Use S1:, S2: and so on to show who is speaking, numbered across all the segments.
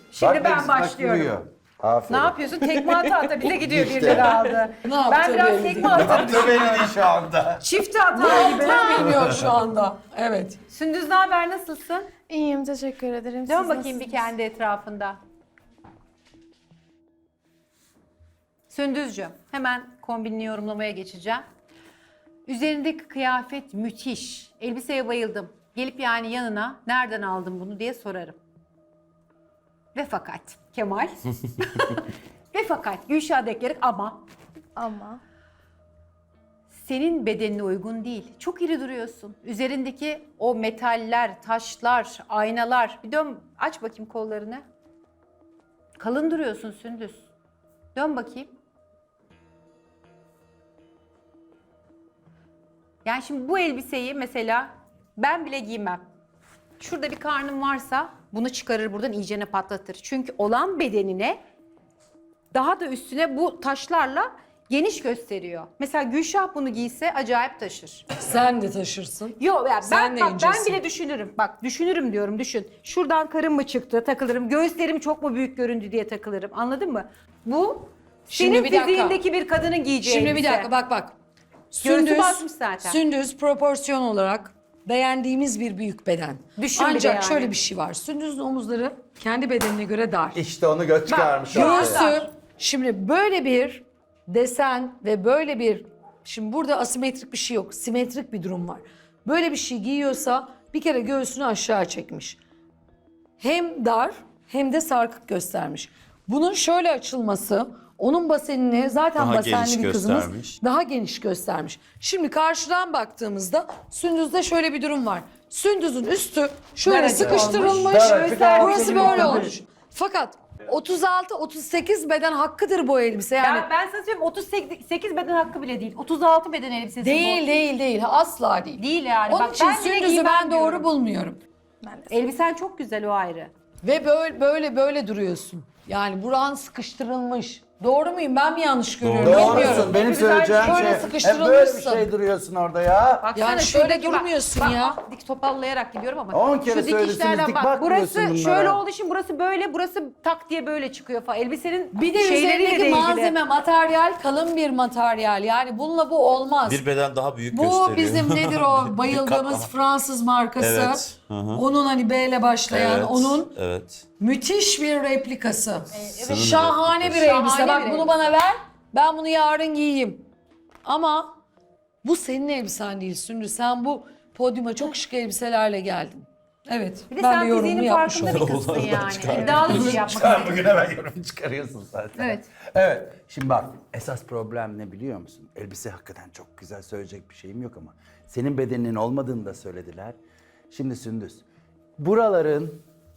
S1: Şimdi
S2: Bak,
S1: ben
S2: hepsi bak
S1: başlıyorum.
S2: duruyor. Aferin.
S1: Ne yapıyorsun? Tekme ata ata bize gidiyor
S2: İşte.
S1: birileri aldı.
S3: Ne yaptı
S1: Ben biraz
S3: belli
S1: tekme
S3: değil.
S1: ata
S2: Yaptı beni şu anda.
S1: çift hata gibi.
S3: Bilmiyor şu anda. Evet.
S1: Sündüz ne haber, nasılsın?
S4: İyiyim, teşekkür ederim.
S1: Dön
S4: Siz
S1: bakayım bir
S4: nasılsınız?
S1: kendi etrafında. Sündüzcüğüm, hemen kombinini yorumlamaya geçeceğim. Üzerindeki kıyafet müthiş. Elbiseye bayıldım. Gelip yani yanına nereden aldın bunu diye sorarım. Ve fakat Kemal. Ve fakat Gülşah Deklerek ama
S4: Ama
S1: senin bedenine uygun değil. Çok iri duruyorsun. Üzerindeki o metaller, taşlar, aynalar. Bir dön, aç bakayım kollarını. Kalın duruyorsun Sündüz. Dön bakayım. Yani şimdi bu elbiseyi mesela ben bile giymem. Şurada bir karnım varsa bunu çıkarır buradan iyicene patlatır. Çünkü olan bedenine daha da üstüne bu taşlarla geniş gösteriyor. Mesela Gülşah bunu giyse acayip taşır.
S3: Sen de taşırsın.
S1: Yok ya
S3: Sen de
S1: ben
S3: incesin.
S1: bile düşünürüm. Bak düşünürüm diyorum, düşün. Şuradan karım mı çıktı takılırım. Göğüslerim çok mu büyük göründü diye takılırım. Anladın mı? Bu
S3: Şimdi
S1: senin
S3: bir dakika.
S1: fiziğindeki bir kadının giyeceği
S3: Şimdi bir
S1: elbise.
S3: dakika bak.
S1: Göğsü basmış zaten.
S3: Sündüz proporsiyon olarak beğendiğimiz bir büyük beden.
S1: Düşün bir de
S3: Ancak
S1: yani.
S3: şöyle bir şey var. Sündüz'ün omuzları kendi bedenine göre dar.
S2: İşte onu göt çıkarmış.
S1: Göğüs-
S2: ortaya.
S3: Göğsü, şimdi böyle bir desen ve böyle bir, şimdi burada asimetrik bir şey yok, simetrik bir durum var. Böyle bir şey giyiyorsa bir kere göğsünü aşağı çekmiş. Hem dar hem de sarkık göstermiş. Bunun şöyle açılması, onun basenini zaten
S5: Daha
S3: basenli
S5: geniş
S3: bir kızımız
S5: göstermiş.
S3: daha geniş göstermiş. Şimdi karşıdan baktığımızda Sündüz'de şöyle bir durum var. Sündüz'ün üstü şöyle
S1: Daracık
S3: sıkıştırılmış,
S1: olmuş.
S2: Daracık,
S3: burası
S2: altı
S3: böyle
S2: olmuş.
S3: olmuş. Fakat 36-38 beden hakkıdır bu elbise yani.
S1: Ya ben sana söyleyeyim 38 beden hakkı bile değil. 36 beden elbisesi
S3: Değil,
S1: bu.
S3: değil. Asla değil.
S1: Değil yani.
S3: Onun
S1: Bak,
S3: için
S1: ben bile
S3: Sündüz'ü
S1: giymem
S3: ben doğru
S1: diyorum.
S3: bulmuyorum.
S4: ben de
S1: Elbisen çok güzel, o ayrı.
S3: Ve böyle duruyorsun. Yani buran sıkıştırılmış. Doğru muyum? Ben mi yanlış görüyorum?
S2: Doğrusun.
S3: Bilmiyorum.
S2: Benim
S1: Güzel,
S2: söyleyeceğim
S3: şöyle
S2: şey. Hep böyle bir
S3: sıkıştırılmışsın.
S2: şey duruyorsun orada ya.
S1: Baksana
S3: Yani şöyle
S1: şuradaki bak-
S3: durmuyorsun
S1: bak,
S3: ya.
S1: Dik topallayarak gidiyorum ama.
S2: 10 kere
S1: şu
S2: söylesiniz,
S1: dikişlerden
S2: dik
S1: bak.
S2: bakmıyorsun
S1: Burası
S2: bunlara.
S1: şöyle olduğu için burası böyle, burası tak diye böyle çıkıyor falan. Elbisenin
S3: Bir de
S1: şeyleriyle de
S3: üzerindeki
S1: ilgili.
S3: malzeme, materyal kalın bir materyal. Yani bununla bu olmaz.
S5: Bir beden daha büyük
S3: Bu
S5: gösteriyor.
S3: bizim nedir o bayıldığımız
S5: katlama.
S3: Fransız markası.
S5: Evet, hı hı.
S3: Onun hani B ile başlayan,
S5: Evet,
S3: onun
S5: evet.
S3: müthiş bir replikası.
S5: Sınır
S3: Şahane bir
S5: replikası.
S3: elbise.
S1: Şahane
S3: Bak
S1: bir
S3: bunu
S1: elbise.
S3: bana ver. Ben bunu yarın giyeyim. Ama bu senin elbisen değil Sündüz. Sen bu podyuma çok şık elbiselerle geldin. Evet.
S1: Bir de
S3: ben
S1: sen
S3: de yorumumu
S1: fiziğinin
S3: yapmış
S1: farkında bir
S3: oldum.
S1: kızsın
S5: Onlardan
S1: yani.
S5: çıkar.
S1: İddialı bir şey yapmak
S2: Çıkar
S1: istiyorsun.
S2: bugün hemen yorum çıkarıyorsun zaten.
S1: Evet.
S2: Evet. Şimdi bak esas problem ne biliyor musun? Elbise hakikaten çok güzel, söyleyecek bir şeyim yok ama senin bedeninin olmadığını da söylediler. Şimdi Sündüz, buraların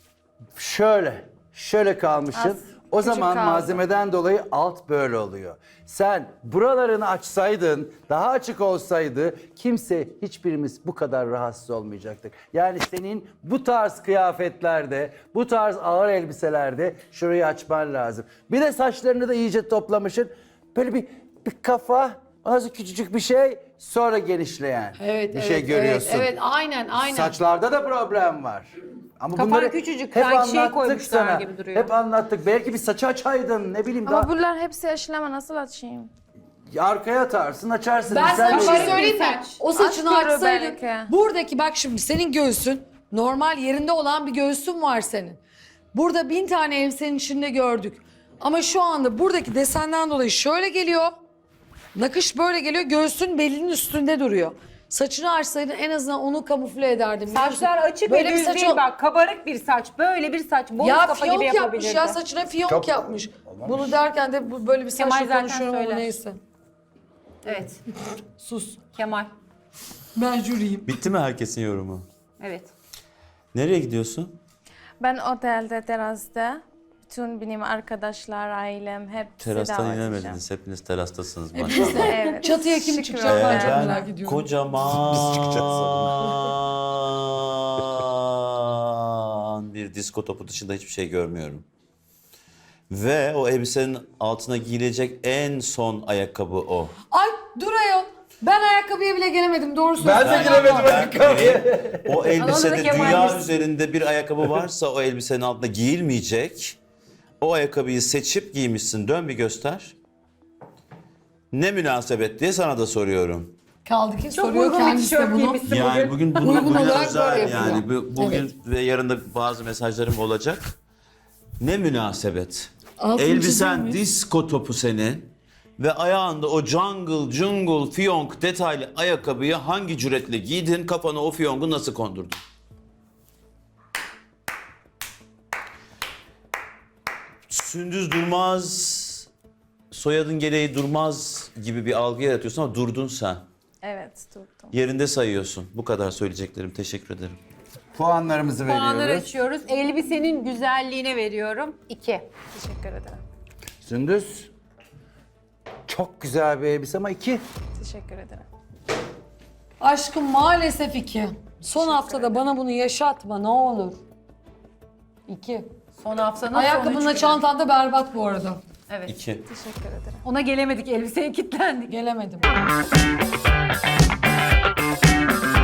S2: şöyle kalmışsın.
S4: Az,
S2: O
S4: küçük
S2: zaman
S4: kaldı.
S2: malzemeden dolayı alt böyle oluyor. Sen buralarını açsaydın, daha açık olsaydı kimse, hiçbirimiz bu kadar rahatsız olmayacaktık. Yani senin bu tarz kıyafetlerde, bu tarz ağır elbiselerde şurayı açman lazım. Bir de saçlarını da iyice toplamışsın. Böyle bir kafa, ondan sonra küçücük bir şey, sonra genişleyen
S3: Evet,
S2: bir
S3: evet,
S2: şey görüyorsun.
S3: Evet, aynen.
S2: Saçlarda da problem var. Ama
S1: Kafan
S2: bunları
S1: küçücük,
S2: hep
S1: sanki şey
S2: anlattık
S1: koymuşlar
S2: sana.
S1: gibi duruyor.
S2: Hep anlattık. Belki bir saçı açaydın, ne bileyim
S4: Ama
S2: daha.
S4: bunlar hepsi aşılama, nasıl açayım?
S2: Arkaya atarsın, açarsın.
S3: Ben sana bir şey
S1: Kabarık bir
S3: söyleyeyim mi?
S1: saç.
S3: O saçını
S4: Aç görü
S3: açsaydın.
S4: belki.
S3: Buradaki bak şimdi senin göğsün normal yerinde olan bir göğsün var senin. Burada 1000 tane elbisenin içinde gördük. Ama şu anda buradaki desenden dolayı şöyle geliyor. Nakış böyle geliyor. Göğsün belinin üstünde duruyor. Saçını açsaydın en azından onu kamufle ederdim. biliyor musun?
S1: Saçlar açık
S3: Böyle
S1: ve
S3: bir
S1: düz
S3: saç
S1: değil
S3: ol-
S1: bak. Kabarık bir saç, böyle bir saç. Bonus
S3: Ya
S1: kafa gibi
S3: fiyonk yapmış
S1: yapabilirdi.
S3: ya, saçına fiyonk
S2: Çok-
S3: yapmış. Bunu derken de böyle bir
S1: Kemal
S3: saçla
S1: zaten
S3: konuşuyorum ama
S1: söyler.
S3: neyse.
S1: Evet.
S3: Sus.
S1: Kemal.
S3: Ben jüriyim.
S5: Bitti mi herkesin yorumu?
S1: Evet.
S5: Nereye gidiyorsun?
S4: Ben otelde, terasta, bütün benim arkadaşlar, ailem hepsi
S5: Terastan
S4: davet edeceğim.
S5: inemediniz. Hepiniz terastasınız maşallah.
S4: Evet.
S3: Çatıya kim
S4: Şükür
S3: çıkacak
S4: olsun.
S3: ben çok
S5: Ben
S3: merak ediyorum.
S5: kocaman bir disko topu dışında hiçbir şey görmüyorum. Ve o elbisenin altına giyilecek en son ayakkabı o.
S3: Ay dur ayol. Ben ayakkabıya bile gelemedim doğrusu.
S2: Ben de giremedim ayakkabıya.
S5: O elbisede
S1: Kemal
S5: dünya
S1: biz-
S5: üzerinde bir ayakkabı varsa o elbisenin altında giyilmeyecek. o ayakkabıyı seçip giymişsin. Dön bir göster. Ne münasebet diye sana da soruyorum.
S3: Kaldı ki
S1: Çok
S3: soruyor
S1: uygun bir
S3: kendisi de
S1: tişört
S3: bunu.
S1: giymişsin
S5: Yani
S1: bugün.
S5: bugün
S3: Uygun olarak
S5: özel
S3: böyle yapıyor.
S5: yani bugün
S3: Evet.
S5: ve yarın da bazı mesajlarım olacak. Ne münasebet.
S3: Altını
S5: Elbisen
S3: çizilmiş.
S5: disko topu senin ve ayağında o jungle fiyonk detaylı ayakkabıyı hangi cüretle giydin, kafana o fiyonku nasıl kondurdun? Sündüz Durmaz, soyadın gereği Durmaz gibi bir algı yaratıyorsun ama durdun sen.
S4: Evet, durdum.
S5: Yerinde sayıyorsun. Bu kadar söyleyeceklerim. Teşekkür ederim.
S2: Puanlarımızı
S1: Puanları
S2: veriyoruz.
S1: açıyoruz. Elbisenin güzelliğine veriyorum 2.
S4: Teşekkür ederim.
S2: Sündüz. Çok güzel bir elbise ama 2.
S4: Teşekkür ederim.
S3: Aşkım maalesef 2. Son haftada bana bunu yaşatma ne olur. 2.
S1: Son haftanın
S3: Ayakkabınla
S1: son üç günü.
S3: çantan da berbat bu arada.
S1: Evet.
S5: 2.
S4: Teşekkür ederim.
S1: Ona gelemedik, elbiseye kilitlendik.
S3: Gelemedim.